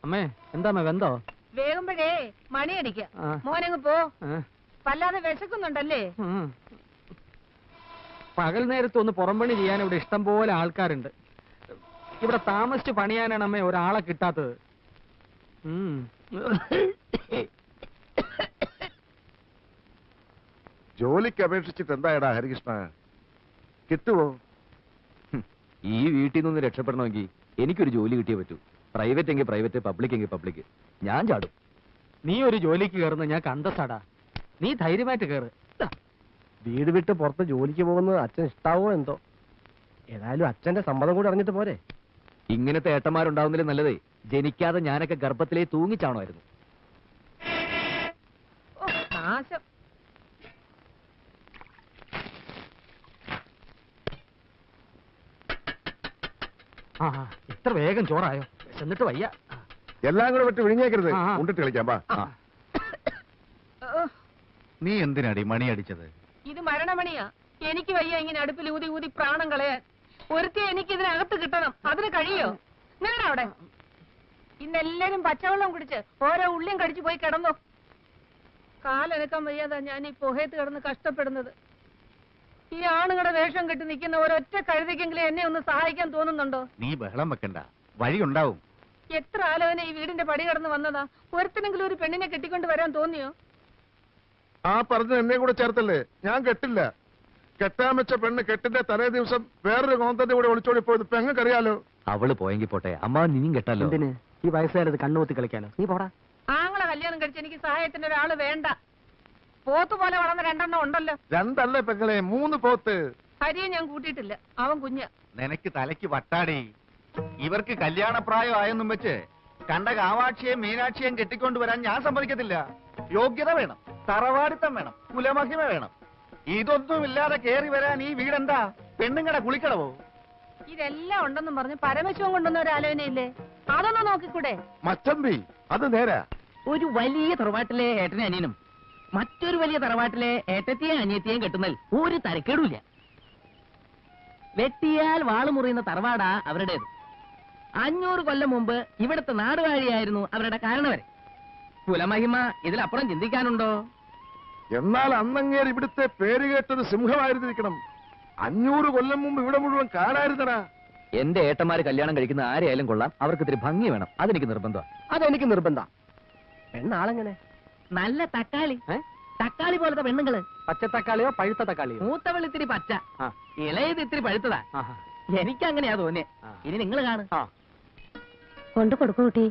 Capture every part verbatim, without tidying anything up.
അമ്മേ എന്താ അമ്മ വെന്തോ? വേഗുമ്പോഴേ മണിയടിക്ക മോനങ്ങ് പോ. വല്ലാതെ വിശക്കുന്നുണ്ടല്ലേ? പകൽ നേരത്ത് ഒന്ന് പുറംപണി ചെയ്യാൻ ഇവിടെ ഇഷ്ടം പോലെ ആൾക്കാരുണ്ട്. ഇവിടെ താമസിച്ച് പണിയാനാണ് അമ്മേ ഒരാളെ കിട്ടാത്തത്. ജോലിക്ക് അപേക്ഷിച്ചിട്ട് എന്തായടാ ഹരികൃഷ്ണ, കിട്ടുവോ? ഈ വീട്ടിൽ നിന്ന് രക്ഷപ്പെടണമെങ്കിൽ എനിക്കൊരു ജോലി കിട്ടിയേ പറ്റൂ. പ്രൈവറ്റ് എങ്കിൽ പ്രൈവറ്റ്, പബ്ലിക് എങ്കിൽ പബ്ലിക്. ഞാൻ ചാടും. നീ ഒരു ജോലിക്ക് കയറുന്ന ഞാൻ കണ്ടസാടാ. നീ ധൈര്യമായിട്ട് കയറ്. വീട് വിട്ട് പുറത്ത് ജോലിക്ക് പോകുന്നത് അച്ഛൻ ഇഷ്ടാവോ എന്തോ. ഏതായാലും അച്ഛന്റെ സമ്മതം കൂടി അറിഞ്ഞിട്ട് പോരെ. ഇങ്ങനത്തെ ഏട്ടന്മാരുണ്ടാവുന്നതിലും നല്ലതേ ജനിക്കാതെ ഞാനൊക്കെ ഗർഭത്തിലേ തൂങ്ങിച്ചാണമായിരുന്നു. ആ ഇത്ര വേഗം ചോറായോ? എന്നിട്ട് വയ്യ. എല്ലാം കൂടെ വിട്ട് വിഴിഞ്ഞേക്കരുത്, ഉണ്ടിട്ട് കളിക്കാം. പാ നീ എന്തിനാടി മണി അടിച്ചത്? ഇത് മരണമണിയാ. എനിക്ക് വയ്യ ഇങ്ങനെ അടുപ്പിൽ ഊതി ഊതി പ്രാണം കളയാൻ. ഒരുത്തി എനിക്ക് ഇതിനകത്ത് കിട്ടണം. അതിന് കഴിയോ? നിങ്ങളുടെ അവിടെ ഇന്നെല്ലാരും പച്ചവെള്ളം കുടിച്ച് ഓരോ ഉള്ളിയും കടിച്ചു പോയി കിടന്നു. കാലനക്കാൻ വയ്യാതാ ഞാൻ ഈ പുഹയത്ത് കിടന്ന് കഷ്ടപ്പെടുന്നത്. ഈ ആണുങ്ങളുടെ വേഷം കെട്ടി നിൽക്കുന്ന ഒരൊറ്റ കഴുതിക്കെങ്കിലും എന്നെ ഒന്ന് സഹായിക്കാൻ തോന്നുന്നുണ്ടോ? നീ ബഹളം വെക്കണ്ട, വഴിയുണ്ടാവും. എത്ര ആലോചന ഈ വീടിന്റെ പടി കടന്ന് വന്നതാ. ഒരുത്തിനെങ്കിലും ഒരു പെണ്ണിനെ കെട്ടിക്കൊണ്ട് വരാൻ തോന്നിയോ? ആ പറഞ്ഞ എന്നെ കൂടെ ചേർത്തല്ലേ? ഞാൻ കെട്ടില്ല. കെട്ടാൻ വെച്ച പെണ്ണ് കെട്ടിന്റെ തലേ ദിവസം വേറൊരു കോന്തന്റെ കൂടെ ഒളിച്ചോടി പോയത് പെങ്ങൾക്കറിയാലോ. അവള് പോയെങ്കിൽ പോട്ടെ, അമ്മ നീയും കെട്ടല്ലോ. എന്തിന് ഈ വയസ്സുകാരത് കണ്ണുകൂത്തി കളിക്കാനോ? നീ പോടാ. ആങ്ങളെ കല്യാണം കഴിച്ച് എനിക്ക് സഹായത്തിന് ഒരാള് വേണ്ട. പോത്ത് പോലെ വളർന്ന രണ്ടെണ്ണം ഉണ്ടല്ലോ. രണ്ടല്ലേ പെങ്ങളെ, മൂന്ന് പോത്ത്. ഹരിയെ ഞാൻ കൂട്ടിയിട്ടില്ല, അവൻ കുഞ്ഞ. നിനക്ക് തലയ്ക്ക് വട്ടാടി. ഇവർക്ക് കല്യാണപ്രായം ആയെന്നും വെച്ച് കണ്ട കാവാക്ഷിയെയും മീനാക്ഷിയെയും കെട്ടിക്കൊണ്ടുവരാൻ ഞാൻ സമ്മതിക്കത്തില്ല. യോഗ്യത വേണം, തറവാടിത്തം വേണം, കുലമഹിമ വേണം. ഇതൊന്നുമില്ലാതെ കേറി വരാൻ ഈ വീടെന്താ പെണ്ണുങ്ങടെ കുളിക്കടവോ? ഇതെല്ലാം ഉണ്ടെന്നും പറഞ്ഞ് പരമശിവം കൊണ്ടുവന്ന ഒരു ആലോചനയില്ലേ? അതൊന്നും നോക്കിക്കൂടെ? മച്ചമ്പി അത് നേരാ. ഒരു വലിയ തറവാട്ടിലെ ഏട്ടനെ അനിയനും മറ്റൊരു വലിയ തറവാട്ടിലെ ഏട്ടത്തെയും അനിയത്തെയും കെട്ടുന്നതിൽ ഒരു തരക്കേടുമില്ല. വെട്ടിയാൽ വാള് മുറിയുന്ന തറവാടാ അവരുടേത്. അഞ്ഞൂറ് കൊല്ലം മുമ്പ് ഇവിടുത്തെ നാടുവാഴിയായിരുന്നു അവരുടെ കാരണവരെ. കുലമഹിമ ഇതിലപ്പുറം ചിന്തിക്കാനുണ്ടോ? എന്നാൽ അന്നങ്ങേർ ഇവിടുത്തെ പേര് കേട്ടൊരു സിംഹമായിരുന്നിരിക്കണം. അഞ്ഞൂറ് കൊല്ലം മുമ്പ് ഇവിടെ മുഴുവൻ കാണായിരുന്നടാ. എന്റെ ഏട്ടന്മാര് കല്യാണം കഴിക്കുന്ന ആരെയായാലും കൊള്ളാം, അവർക്ക് ഇത്തിരി ഭംഗി വേണം. അതെനിക്ക് നിർബന്ധം. അതെനിക്ക് നിർബന്ധം. പെണ്ണാളെങ്ങനെ? നല്ല തക്കാളി, തക്കാളി പോലത്തെ പെണ്ണുങ്ങള്. പച്ച തക്കാളിയോ പഴുത്ത തക്കാളിയോ? മൂത്തവൾ ഇത്തിരി പച്ച, ഇളയത് ഇത്തിരി പഴുത്തതാ. എനിക്ക് അങ്ങനെയാ തോന്നിയേ. ഇനി നിങ്ങൾ കാണും. കൊണ്ടു കൊടുക്കൂ കുട്ടി.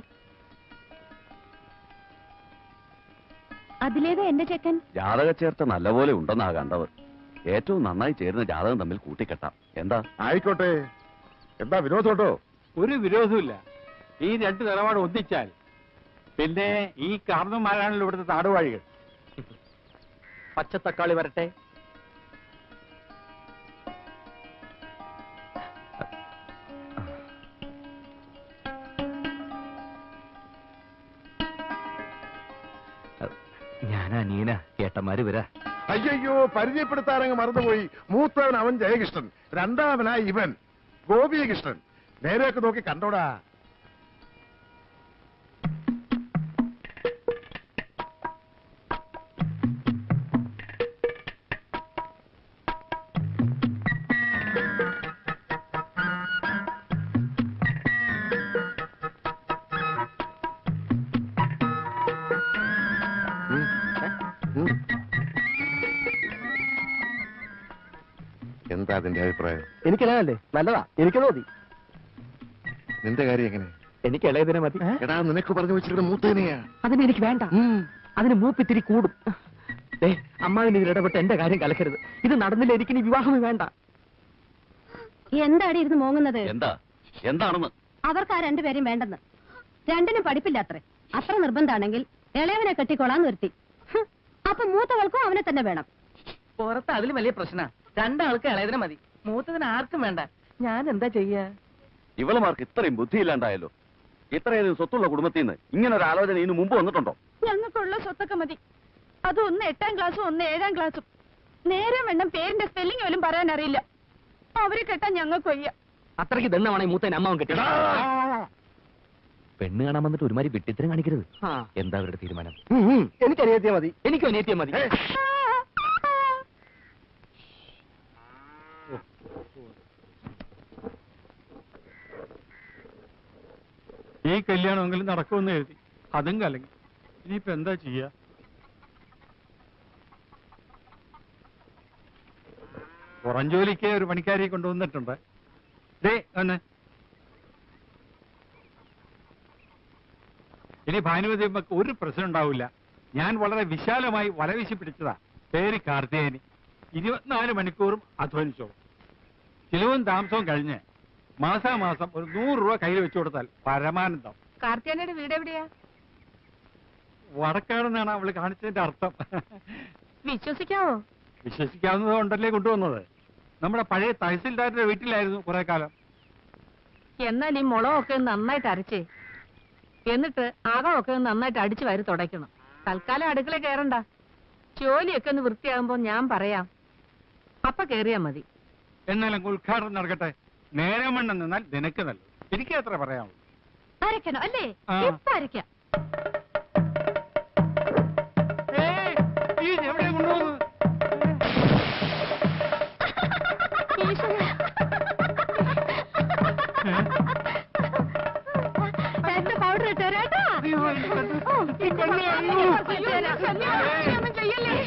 അതിലേത് എന്റെ ചെക്കൻ? ജാതക ചേർത്ത നല്ലപോലെ ഉണ്ടെന്നാ കണ്ടവർ. ഏറ്റവും നന്നായി ചേരുന്ന ജാതകം തമ്മിൽ കൂട്ടിക്കെട്ടാം. എന്താ? ആയിക്കോട്ടെ. എന്താ വിരോധമുണ്ടോ? ഒരു വിരോധമില്ല. ഈ രണ്ട് നിലപാട് ഒന്നിച്ചാൽ പിന്നെ ഈ കാർന്നന്മാരാണല്ലോ ഇവിടുത്തെ നാടുവാഴികൾ. പച്ചത്തക്കാളി വരട്ടെ. ഞാനാ നീന, ഏട്ടന്മാര് വരാ. അയ്യോ, പരിചയപ്പെടുത്താനങ്ങ് മറന്നുപോയി. മൂത്തവൻ അവൻ ജയകൃഷ്ണൻ, രണ്ടാമനായി ഇവൻ ഗോപികൃഷ്ണൻ. നേരെയൊക്കെ നോക്കി കണ്ടോടാ. എന്താ അതിന്റെ അഭിപ്രായം? എനിക്കിളയല്ലേ? നല്ലതാ, എനിക്ക് മതി. നിന്റെ കാര്യം എങ്ങനെ? എനിക്ക് ഇളയതിനെ മതി. എടാ, നിനക്ക് പറഞ്ഞു വെച്ചിട്ട് മൂത്തേനെയാ. അതിന് എനിക്ക് വേണ്ട. അതിന് മൂപ്പിത്തിരി കൂടും. ഏ അമ്മാവിന് ഇതിൽ ഇടപെട്ട് എന്റെ കാര്യം കലക്കരുത്. ഇത് നടന്നില്ല, എനിക്ക് ഇനി വിവാഹമേ വേണ്ട. എന്താടി ഇരുന്ന് മോങ്ങുന്നത്? എന്താ എന്താണെന്ന്? അവർക്ക് ആ രണ്ടുപേരും വേണ്ടെന്ന്. രണ്ടിനും പഠിപ്പില്ല അത്രേ. അത്ര നിർബന്ധാണെങ്കിൽ ഇളയവനെ കെട്ടിക്കോളാൻ നിർത്തി. അപ്പൊ മൂത്തവൾക്കും അവനെ തന്നെ വേണം. പുറത്ത് അതിലും വലിയ പ്രശ്ന. രണ്ടാൾക്ക് ഇളയതിനെ മതി, മൂത്തതിന് ആർക്കും വേണ്ട. ഞാൻ എന്താ ചെയ്യാ? ഇവളുമാർക്ക് ഇത്രയും ബുദ്ധിയില്ലാണ്ടായല്ലോ. ഇത്രയധികം സ്വത്തുള്ള കുടുംബത്തിൽ നിന്ന് ഇങ്ങനെ ഒരു ആലോചന ഇതിനു മുമ്പ് വന്നിട്ടുണ്ടോ? ഞങ്ങൾക്കുള്ള സ്വത്തൊക്കെ മതി. അത് ഒന്ന് എട്ടാം ക്ലാസ്സും ഒന്ന് ഏഴാം ക്ലാസ്സും. നേരം വേണം പേരിന്റെ സ്പെല്ലിംഗ് പോലും പറയാൻ അറിയില്ല. അവരെ കെട്ടാൻ ഞങ്ങൾക്ക് വയ്യ. അത്രയ്ക്ക് ദണ്ണമാണ് ഈ മൂത്തേനെ അമ്മാവൻ കെട്ടിയത്. പെണ്ണ് കാണാൻ വന്നിട്ട് ഒരുമാതിരി വിട്ടിത്തരം കാണിക്കരുത്. ആ. എന്താ അവരുടെ തീരുമാനം? എനിക്ക് അനിയത്തിയാ മതി. എനിക്കും അനിയത്തിയാ മതി. ഈ കല്യാണമെങ്കിലും നടക്കുമെന്ന് എഴുതി, അതും കലങ്ങി. ഇനിയിപ്പോ എന്താ ചെയ്യാ? പുറം ജോലിക്ക് ഒരു പണിക്കാരിയെ കൊണ്ടുവന്നിട്ടുണ്ട്. ദേ ഒന്ന് ഇനി ഭാനുമതി അമ്മക്ക് ഒരു പ്രശ്നം ഉണ്ടാവില്ല. ഞാൻ വളരെ വിശാലമായി വലവീശി പിടിച്ചതാ. പേര് കാർത്തികേയനി. ഇരുപത്തിനാല് മണിക്കൂറും അധ്വാനിച്ചോളും. ചിലവും താമസവും കഴിഞ്ഞ് മാസാമാസം ഒരു നൂറ് രൂപ കയ്യിൽ വെച്ചു കൊടുത്താൽ പരമാനന്ദം. കാർത്തിയാനയുടെ വീട് എവിടെയാ? വടക്കാണെന്നാണ് അവള് കാണിച്ചതിന്റെ അർത്ഥം. വിശ്വസിക്കാവോ? വിശ്വസിക്കാവുന്നത് കൊണ്ടല്ലേ കൊണ്ടുവന്നത്. നമ്മുടെ പഴയ തഹസിൽദാരുടെ വീട്ടിലായിരുന്നു കുറെ കാലം. എന്നാൽ ഈ മുളകൊക്കെ ഒന്ന് നന്നായിട്ട് അരച്ചേ, എന്നിട്ട് അകമൊക്കെ ഒന്ന് നന്നായിട്ട് അടിച്ചു വാരി തുടയ്ക്കണം. തൽക്കാലം അടുക്കള കയറണ്ട. ജോലിയൊക്കെ ഒന്ന് വൃത്തിയാകുമ്പോ ഞാൻ പറയാം, അപ്പൊ കേറിയാ മതി. എന്നാലും ഉദ്ഘാടനം നടക്കട്ടെ. നേരം വണ്ണം നിന്നാൽ നിനക്ക് നല്ലത്. എനിക്ക് എത്ര പറയാമോ? അരക്കണോ അല്ലേ? ആ. ഇപ്പൊ അരക്കാം. ഏയ്, ഈ എവിടെ കൊണ്ടുപോകുന്നത്? എന്റെ പൗഡർ ഇട്ടേരാട്ടാ. അയ്യോ, ഓ, ഈ പെണ്ണ് അയ്യോ. ചെയ്യല്ലേ?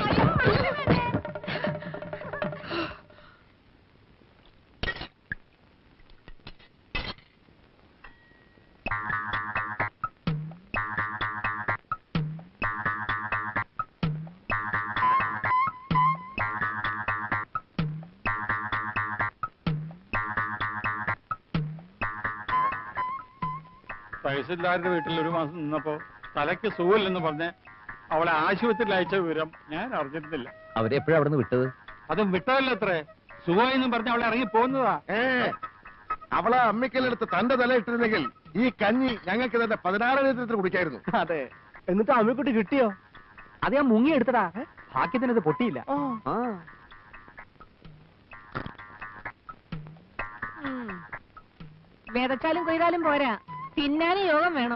തഹസിൽദാരുടെ വീട്ടിൽ ഒരു മാസം നിന്നപ്പോ തലയ്ക്ക് സുഖമില്ലെന്ന് പറഞ്ഞ് അവളെ ആശുപത്രിയിൽ അയച്ച വിവരം ഞാൻ അറിഞ്ഞിരുന്നില്ല. അവരെപ്പോഴാ അവിടെ നിന്ന് വിട്ടത്? അതും വിട്ടതല്ലത്രേ. സുഖമെന്നും പറഞ്ഞ് അവളെ ഇറങ്ങി പോകുന്നതാ. ഏ അവളെ അമ്മിക്കല്ലെടുത്ത് തന്റെ തല ഇട്ടിരുന്നെങ്കിൽ ഈ കഞ്ഞി ഞങ്ങൾക്ക് തന്നെ പതിനാറ് ലിറ്റർ കുടിക്കായിരുന്നു. അതെ. എന്നിട്ട് അമ്മിക്കുട്ടി കിട്ടിയോ? അത് ഞാൻ മുങ്ങി എടുത്തടാ. ഭാഗ്യത്തിനത് പൊട്ടിയില്ല. ആ. ഉം. വിതച്ചാലും കൊയ്താലും പോരാ, തിന്നാനും യോഗം വേണം.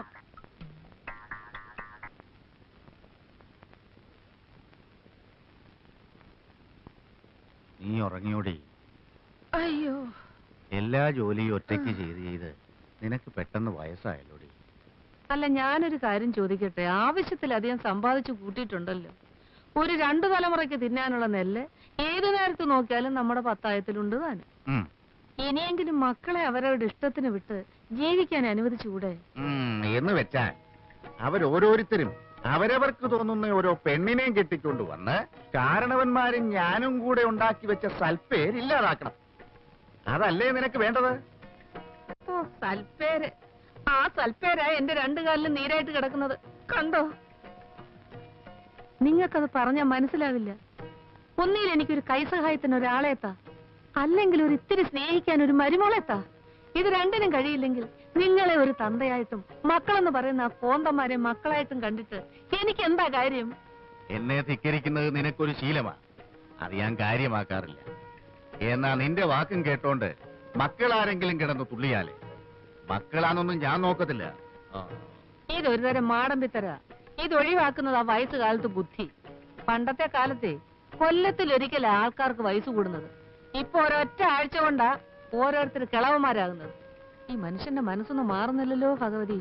നീ ഉറങ്ങിയോടി? അയ്യോ, എല്ലാ ജോലിയും ഒറ്റയ്ക്ക് ചെയ്ത് ചെയ്ത് നിനക്ക് പെട്ടെന്ന് വയസ്സായല്ലോടി. അല്ല, ഞാനൊരു കാര്യം ചോദിക്കട്ടെ. ആവശ്യത്തിലധികം സമ്പാദിച്ചു കൂട്ടിയിട്ടുണ്ടല്ലോ. ഒരു രണ്ടു തലമുറയ്ക്ക് തിന്നാനുള്ള നെല്ല് ഏതു നേരത്ത് നോക്കിയാലും നമ്മുടെ പത്തായത്തിലുണ്ട് താനും. ഉം. ഇനിയെങ്കിലും മക്കളെ അവരവരുടെ ഇഷ്ടത്തിന് വിട്ട് ജീവിക്കാൻ അനുവദിച്ചുകൂടെ? ഉം, എന്ന് വെച്ചാൽ അവരോരോരുത്തരും അവരവർക്ക് തോന്നുന്ന ഓരോ പെണ്ണിനെയും കെട്ടിക്കൊണ്ട് വന്ന് കാരണവന്മാരും ഞാനും കൂടെ ഉണ്ടാക്കി വെച്ച സൽപ്പേര് ഇല്ലാതാക്കണം. അതല്ലേ നിനക്ക് വേണ്ടത്? ഓ, സൽപ്പേര്. ആ സൽപ്പേരാ എന്റെ രണ്ടു കാലിലും നീരായിട്ട് കിടക്കുന്നത്. കണ്ടോ? നിങ്ങൾക്കത് പറഞ്ഞാൽ മനസ്സിലാവില്ല. ഒന്നിൽ എനിക്കൊരു കൈസഹായത്തിന് ഒരാളെത്താ, അല്ലെങ്കിൽ ഒരു ഇത്തിരി സ്നേഹിക്കാൻ ഒരു മരുമോളെത്താ. ഇത് രണ്ടിനും കഴിയില്ലെങ്കിൽ നിങ്ങളെ ഒരു തന്തയായിട്ടും മക്കളെന്ന് പറയുന്ന ആ കോന്തന്മാരെ മക്കളായിട്ടും കണ്ടിട്ട് എനിക്ക് എന്താ കാര്യം? എന്നെ ധിക്കരിക്കുന്നത് നിനക്കൊരു ശീലമാണ്. അത് ഞാൻ കാര്യമാക്കാറില്ല. എന്നാ നിന്റെ വാക്കും കേട്ടോണ്ട് മക്കളാരെങ്കിലും കിടന്ന് തുള്ളിയാലേ മക്കളാന്നൊന്നും ഞാൻ നോക്കത്തില്ല. ഇതൊരു തരം മാടമ്പിത്തര. ഇത് ഒഴിവാക്കുന്നത് ആ വയസ്സുകാലത്ത് ബുദ്ധി. പണ്ടത്തെ കാലത്തെ കൊല്ലത്തിലൊരിക്കൽ ആൾക്കാർക്ക് വയസ്സ് കൂടുന്നത്. ഇപ്പൊ ഒരൊറ്റ ആഴ്ച കൊണ്ടാ ഓരോരുത്തർ കിളവന്മാരാകുന്നത്. ഈ മനുഷ്യന്റെ മനസ്സൊന്നും മാറുന്നില്ലല്ലോ ഭഗവതി.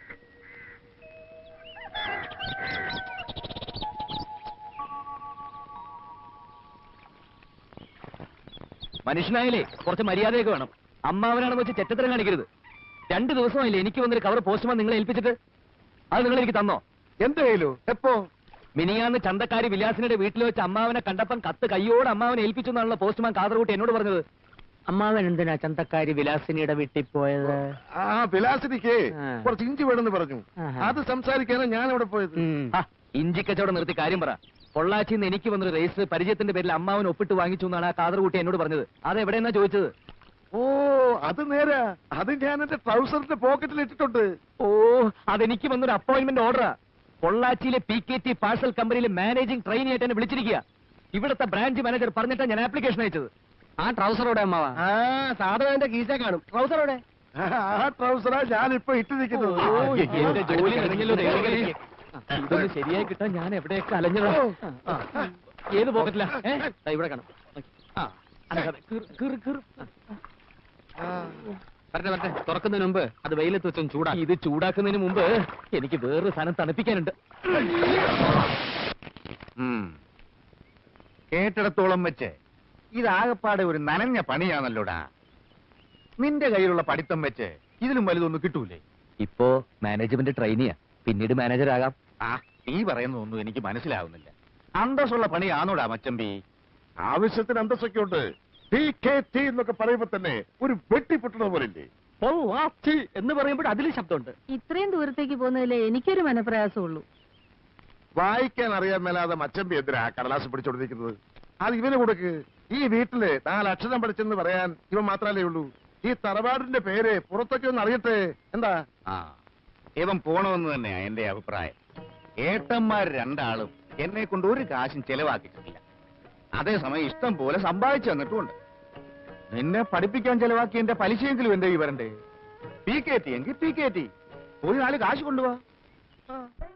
മനുഷ്യനായാലേ കുറച്ച് മര്യാദയൊക്കെ വേണം. അമ്മാവനാണെന്ന് വെച്ച് ചെറ്റത്തരം കാണിക്കരുത്. രണ്ടു ദിവസമായില്ലേ എനിക്ക് വന്നൊരു കവർ പോസ്റ്റ്മാൻ നിങ്ങളെ ഏൽപ്പിച്ചിട്ട്? അത് നിങ്ങൾ എനിക്ക് തന്നോ? എന്തായാലോ? എപ്പോ? മിനിയാന്ന് ചന്തക്കാരി വിലാസിനുടെ വീട്ടിൽ വെച്ച് അമ്മാവനെ കണ്ടപ്പം കത്ത് കയ്യോട് അമ്മാവനെ ഏൽപ്പിച്ചു എന്നാണല്ലോ പോസ്റ്റ്മാൻ കാതർകൂട്ടി എന്നോട് പറഞ്ഞത്. അമ്മാവൻ എന്തിനാ ചന്തക്കാരി വിലാസിനിയുടെ വീട്ടിൽ പോയത്? ആ വിലാസിനിക്ക് ആ. കുറച്ച് ഇഞ്ചി വേണമെന്ന് പറഞ്ഞു. ആഹാ. അത് സംസാരിക്കാനാ ഞാൻ അവിടെ പോയത്. ഉം. ആ, ഇഞ്ചി കച്ചവടം നിർത്തി കാര്യം പറ. പൊള്ളാച്ചിന്ന് എനിക്ക് വന്നൊരു രജിസ്റ്റർ പരിചയത്തിന്റെ പേരിൽ അമ്മാവൻ ഒപ്പിട്ട് വാങ്ങിച്ചു എന്നാണ് ആ കാതർകൂട്ടി എന്നോട് പറഞ്ഞത്. അതെവിടെയെന്നാ ചോദിച്ചത്? ഓ അത് നേരാ. അത് ഞാൻ എന്റെ ട്രൗസറിന്റെ പോക്കറ്റിൽ ഇട്ടിട്ടുണ്ട്. ഓ, അതെനിക്ക് വന്നൊരു അപ്പോയിന്റ്മെന്റ് ഓർഡറാ. പൊള്ളാച്ചിയിലെ P K T parcel company managing trainee ആയിട്ട് എന്നെ വിളിച്ചിരിക്കുക. ഇവിടുത്തെ ബ്രാഞ്ച് മാനേജർ പറഞ്ഞിട്ടാണ് ഞാൻ ആപ്ലിക്കേഷൻ അയച്ചത്. ആ ട്രൗസറോടെ അമ്മാവ? ആ സാധനം എന്റെ കീശ കാണും. ട്രൗസറോടെ? ആ ട്രൗസറാ ഞാനിപ്പോ ഇട്ടിരിക്കുന്നത്. എന്റെ ജോലി കഴിഞ്ഞല്ലോ ദൈവമേ. ഇതൊന്ന് ശരിയായി കിട്ടാൻ ഞാൻ എവിടെയൊക്കെ അലഞ്ഞതാ. ആ, ഏത് പോക്കറ്റിലാ? ഏ? ദാ ഇവിടെ കാണാം. ആ, അനക്കാതെ. കീറ്, കീറ്, കീറ്. വരട്ടെ വരട്ടെ, തുറക്കുന്നതിന് മുമ്പ് അത് വെയിലത്ത് വെച്ചൊന്ന് ചൂടാ. ഇത് ചൂടാക്കുന്നതിന് മുമ്പ് എനിക്ക് വേറൊരു സാധനം തണുപ്പിക്കാനുണ്ട്. ഉം. കേട്ടിടത്തോളം വെച്ച് ഇതാകപ്പാടെ ഒരു നനഞ്ഞ പണിയാണല്ലോടാ. നിന്റെ കയ്യിലുള്ള പഠിത്തം വെച്ച് ഇതിലും വലുതൊന്നും കിട്ടൂലേ? ഇപ്പോ മാനേജ്മെന്റ് ട്രെയിനിയാ, പിന്നീട് മാനേജർ ആകാം. ആ, നീ പറയുന്നതൊന്നും എനിക്ക് മനസ്സിലാവുന്നില്ല. അന്തസ്സുള്ള പണിയാണോടാ മച്ചമ്പി? ആവശ്യത്തിന് അന്തസ്സൊക്കെ ഉണ്ട്. ടി കെ ടി എന്നൊക്കെ പറയുമ്പോ തന്നെ ഒരു വെട്ടിപ്പൊട്ടുന്ന പോലില്ലേ? ഓ ആ ചീ എന്ന് പറയുമ്പോൾ അതിലും ശബ്ദമുണ്ട്. ഇത്രയും ദൂരത്തേക്ക് പോകുന്നതിലേ എനിക്കൊരു മനപ്രയാസമുള്ളൂ. വായിക്കാൻ അറിയാൻ മേലാതെ മച്ചമ്പി എന്തിനാ കടലാസ് പിടിച്ചോണ്ടിരിക്കുന്നത്? അത് ഇവന് കൊടുക്ക്. ഈ വീട്ടില് നാലക്ഷരം പഠിച്ചെന്ന് പറയാൻ ഇവൻ മാത്രല്ലേ ഉള്ളൂ. ഈ തറവാടിന്റെ പേര് പുറത്തൊക്കെ ഒന്ന് അറിയട്ടെ. എന്താ? ആ, ഇവൻ പോണമെന്ന് തന്നെയാ എന്റെ അഭിപ്രായം. ഏട്ടന്മാർ രണ്ടാളും എന്നെ കൊണ്ട് ഒരു കാശും ചെലവാക്കിയിട്ടില്ല. അതേസമയം ഇഷ്ടം പോലെ സമ്പാദിച്ചു തന്നിട്ടുമുണ്ട്. നിന്നെ പഠിപ്പിക്കാൻ ചെലവാക്കി എന്റെ പലിശയെങ്കിലും എന്റെ ഈ വരണ്ടേ? പി കെ ടി എങ്കിൽ പി കെ ടി പോയി നാല് കാശ് കൊണ്ടുപോവാ.